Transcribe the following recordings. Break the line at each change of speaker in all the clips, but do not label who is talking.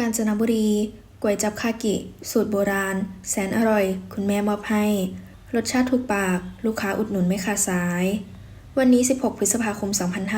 กาญจนบุรีก๋วยจั๊บคากิสูตรโบราณแสนอร่อยคุณแม่มอบให้รสชาติถูกปากลูกค้าอุดหนุนไม่ขาดสายวันนี้16พฤษภาคม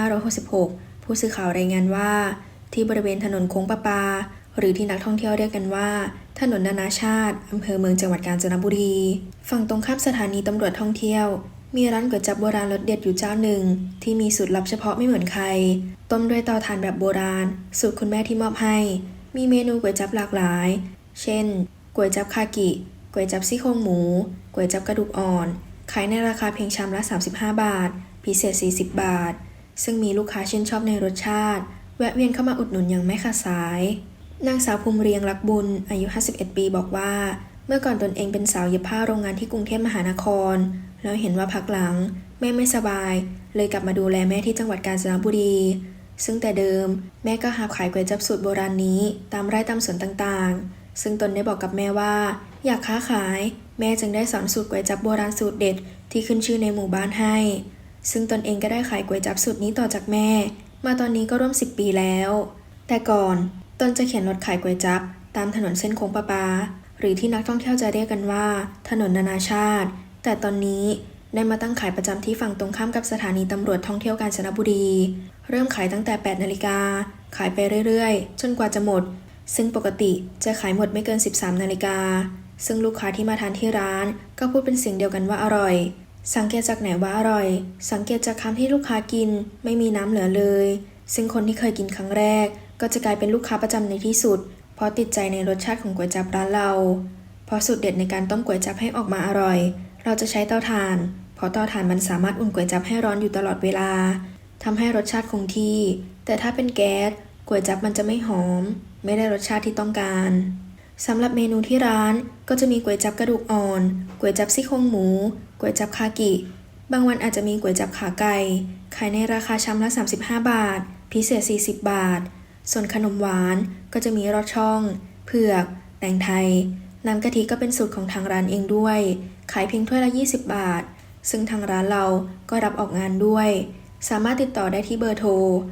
2566ผู้สื่อข่าวรายงานว่าที่บริเวณถนนโค้งประปาหรือที่นักท่องเที่ยวเรียกกันว่าถนนนานาชาติอำเภอเมืองจังหวัดกาญจนบุรีฝั่งตรงข้ามสถานีตำรวจท่องเที่ยวมีร้านก๋วยจั๊บโบราณรสเด็ดอยู่เจ้าหนึ่งที่มีสูตรลับเฉพาะไม่เหมือนใครต้มด้วยเตาถ่านแบบโบราณสูตรคุณแม่ที่มอบให้มีเมนูก๋วยจั๊บหลากหลายเช่นก๋วยจั๊บคากิก๋วยจั๊บซี่โครงหมูก๋วยจั๊บกระดูกอ่อนขายในราคาเพียงชามละ35 บาทพิเศษ40 บาทซึ่งมีลูกค้าชื่นชอบในรสชาติแวะเวียนเข้ามาอุดหนุนอย่างไม่ขาดสายนางสาวภูมิเรียงรักบุญอายุ51 ปีบอกว่าเมื่อก่อนตนเองเป็นสาวเย็บผ้าโรงงานที่กรุงเทพมหานครแล้วเห็นว่าพักหลังแม่ไม่สบายเลยกลับมาดูแลแม่ที่จังหวัดกาญจนบุรีซึ่งแต่เดิมแม่ก็หาขายก๋วยจั๊บสูตรโบราณนี้ตามไร่ตามสวนต่างๆซึ่งตนได้บอกกับแม่ว่าอยากค้าขายแม่จึงได้สอนสูตรก๋วยจั๊บโบราณสูตรเด็ดที่ขึ้นชื่อในหมู่บ้านให้ซึ่งตนเองก็ได้ขายก๋วยจั๊บสูตรนี้ต่อจากแม่มาตอนนี้ก็ร่วม10 ปีแล้วแต่ก่อนตนจะเข็นรถขายก๋วยจั๊บตามถนนเส้นโค้งประปาหรือที่นักท่องเที่ยวจะเรียกกันว่าถนนนานาชาติแต่ตอนนี้ได้มาตั้งขายประจำที่ฝั่งตรงข้ามกับสถานีตำรวจท่องเที่ยวกาญจนบุรีเริ่มขายตั้งแต่ 8 นาฬิกาขายไปเรื่อยๆจนกว่าจะหมดซึ่งปกติจะขายหมดไม่เกิน 13 นาฬิกาซึ่งลูกค้าที่มาทานที่ร้านก็พูดเป็นเสียงเดียวกันว่าอร่อยสังเกตจากไหนว่าอร่อยสังเกตจากคำที่ลูกค้ากินไม่มีน้ำเหลือเลยซึ่งคนที่เคยกินครั้งแรกก็จะกลายเป็นลูกค้าประจำในที่สุดเพราะติดใจในรสชาติของก๋วยจั๊บร้านเราเพราะสูตรเด็ดในการต้มก๋วยจั๊บให้ออกมาอร่อยเราจะใช้เตาถ่านเพราะเตาถ่านมันสามารถอุ่นก๋วยจั๊บให้ร้อนอยู่ตลอดเวลาทำให้รสชาติคงที่แต่ถ้าเป็นแก๊สก๋วยจั๊บมันจะไม่หอมไม่ได้รสชาติที่ต้องการสำหรับเมนูที่ร้านก็จะมีก๋วยจั๊บกระดูกอ่อนก๋วยจั๊บซี่โครงหมูก๋วยจั๊บคากิบางวันอาจจะมีก๋วยจั๊บขาไก่ขายในราคาชามละ35 บาทพิเศษ40 บาทส่วนขนมหวานก็จะมีรอดช่องเผือกแตงไทยน้ำกะทิก็เป็นสูตรของทางร้านเองด้วยขายเพียงถ้วยละ20 บาทซึ่งทางร้านเราก็รับออกงานด้วยสามารถติดต่อได้ที่เบอร์โทร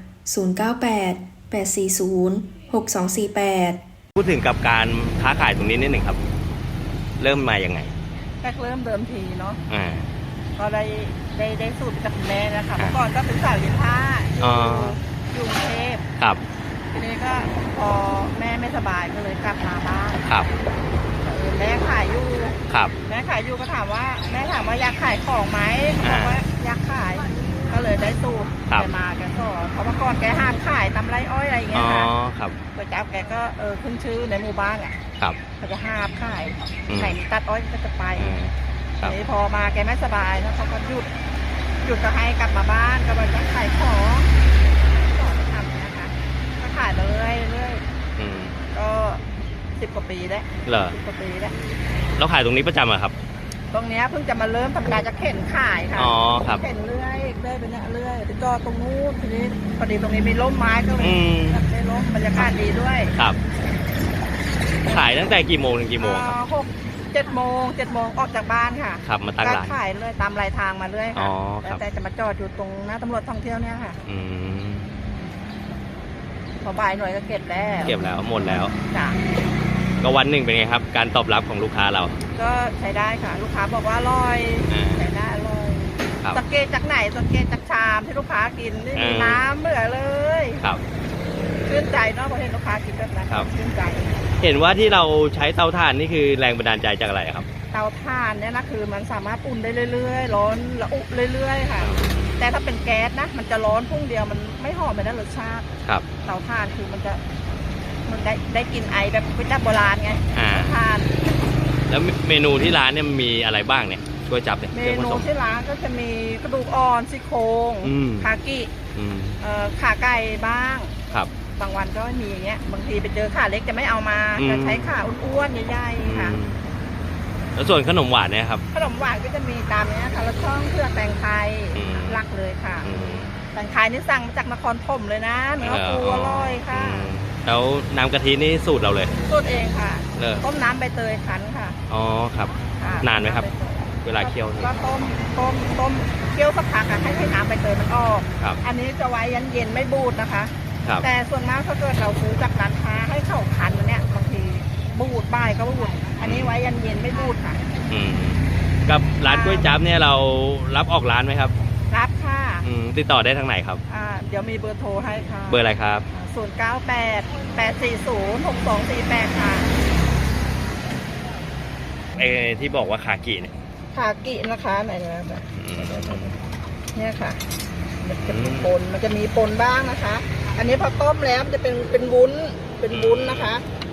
098 840 6248
พูดถึงกับการค้าขายตรงนี้นิดหนึ่งครับเริ่มมายังไง
แรกเริ่มเดิมทีเนาะก็ได้สูตรจากแม่นะคะเมื่อก่อนก็เป็นสาวเย็บผ้าอยู่กรุงเทพ
ครับ
ทีนี้ก็พอแม่ไม่สบายก็เลยกลับมาบ้าน
ครับ
แม่ขายอยู่
ครับ
แม่ขายอยู่ก็ถามว่าแม่ถามว่าอยากขายของไหมบอกว่าอยากขายก็เลยได้สูตรแกมาแกสอนเพราะเมื่อก่อนแกห้ามขายตำไรอ้อยอะไรอย่างเงี้ยค่ะก๋วยจั๊บแกก็ขึ้นชื่อในหมู่บ้านอ่ะเขาจะห้ามขายไหนมีตัดอ้อยก็จะไปทีนี้พอมาแกไม่สบายแล้วเขาก็หยุดก็ให้กลับมาบ้านก็เลยต้องขายของทำนะคะก็ขายเลยก็10 กว่าปีแล้ว10 กว่าปีแล้ว
เราขายตรงนี้ประจำอะครับ
ตรงนี้เพิ่งจะมาเริ่มทำการจะเข็นขายค่ะเข็นเรื่อยไปเนี่ยเรื่อยไปจอดตรงนู้นทีนี้พอดีตรงนี้มีร่มไม้ก็เลยได้ร่มบรรยากาศดีด้วย
ครับขายตั้งแต่กี่โมงถึงกี่โมงครับ
7 โมงออกจากบ้านค่ะ
ครับมาตั้งร้าน
ขายเลยตามรายทางมาเรื่อยค่ะแต่จะมาจอดอยู่ตรงหน้าตำรวจท่องเที่ยวเนี่ยค่ะพอบ่ายหน่อยก็เก็บแล้ว
หมดแล้ว
จ้ะ
ก็วันหนึ่งเป็นไงครับการตอบรับของลูกค้าเรา
ก็ใช้ได้ค่ะลูกค้าบอกว่าอร่อยใช้ได้อร่อยสังเกตจากไหนสังเกตจากชามที่ลูกค้ากินนี่มีน้ำเหลือเลย
ครับ
ชื่นใจเนาะพอเห็นลูกค้ากินแบบนั้นชื่นใจ
เห็นว่าที่เราใช้เตาถ่านนี่คือแรงบันดาลใจจากอะไรครับ
เตาถ่านเนี่ยนะคือมันสามารถอุ่นได้เรื่อยๆร้อนระอุเรื่อยๆค่ะแต่ถ้าเป็นแก๊สนะมันจะร้อนพุ่งเดียวมันไม่หอมไม่ได้รสชาติ
ครับ
เตาถ่านคือมันได้กินไอแบบก๋วยจั๊บโบราณไงทาน
แล้วเมนูที่ร้านเนี่ยมีอะไรบ้างเนี่ยช่วยจับเนี่ย
เมนูที่ร้านก็จะมีกระดูกอ่อนซี่โครงคากิขาไก่บ้าง
ครับ
บางวันก็มีอย่างเงี้ยบางทีไปเจอขาเล็กจะไม่เอามาจะใช้ขาอ้วนๆใหญ่ๆค่ะ
แล้วส่วนขนมหวานเนี่ยครับ
ขนมหวานก็จะมีตามเนี้ยค่ะละช่องเพื่อแตงไทยหลักเลยค่ะแตงไทยนี่สั่งมาจากนครธมเลยนะเนื้อปูอร่อยค่ะ
แล้วน้ำกะทินี่สูตรเราเลย
สูตรเองค่ะต้มน้ำใบเตยคั้นค่ะ
ครับนานไหมครับเวลาเคี่ยว
ก็ต้มเคี่ยวสักพักให้น้ำใบเตยมันออกอันนี้จะไว้เย็นไม่บูดนะคะ
ครับ
แต่ส่วนมากถ้าเกิดเราซื้อจากร้านค้าให้เข้าคันเนี่ยบางทีบูดบ่ายก็บูดอันนี้ไว้ยันเย็นไม่บูดค่ะ
กับร้านก๋วยจั๊บเนี่ยเรารับออกร้านไหมครับ
รับค่ะ
ติดต่อได้ทางไหนครับ
เดี๋ยวมีเบอร์โทรให้ค่ะ
เบอร์อะไรครับ
098-840-6248 ค่ะ
ที่บอกว่าคากิเนี่ย
คากินะคะไหนนะเนี่ยค่ะมันจะมีปนบ้างนะคะ อันนี้พอต้มแล้วมันจะเป็นวุ้นนะคะ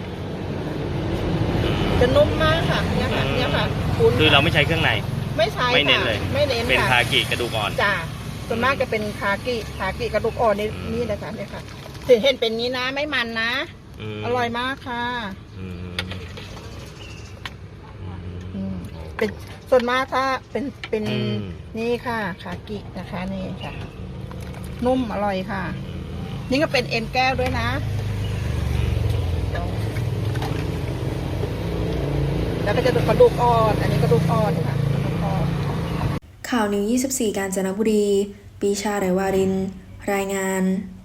จะนุ่มมากค่ะเนี่ยค่ะวุ้น
คือเราไม่ใช้เครื่องใน
ไม่ใช้
ไม่เน้น
ค่ะ
เลย
ไม่เน้น
เป็น
ค่ะ
คากิกระดูกอ่อน
จ้าส่วนมากจะเป็นคากิกระดูกอ่อนนี่นะคะเนี่ยค่ะเห็นเป็นนี้นะไม่มันนะอร่อยมากค่ะเป็นส่วนมากถ้าเป็นนี่ค่ะคากินะคะนี่ค่ะ นุ่มอร่อยค่ะ นี่ก็เป็นเอ็นแก้วด้วยนะแล้วก็จะกระดูกอ่อนอันนี้กระดูกอ่อนค่ะกระดูกอ่อน
ข่าวนิว 24 กาญจนบุรี ปีชา ไรวาริน รายงาน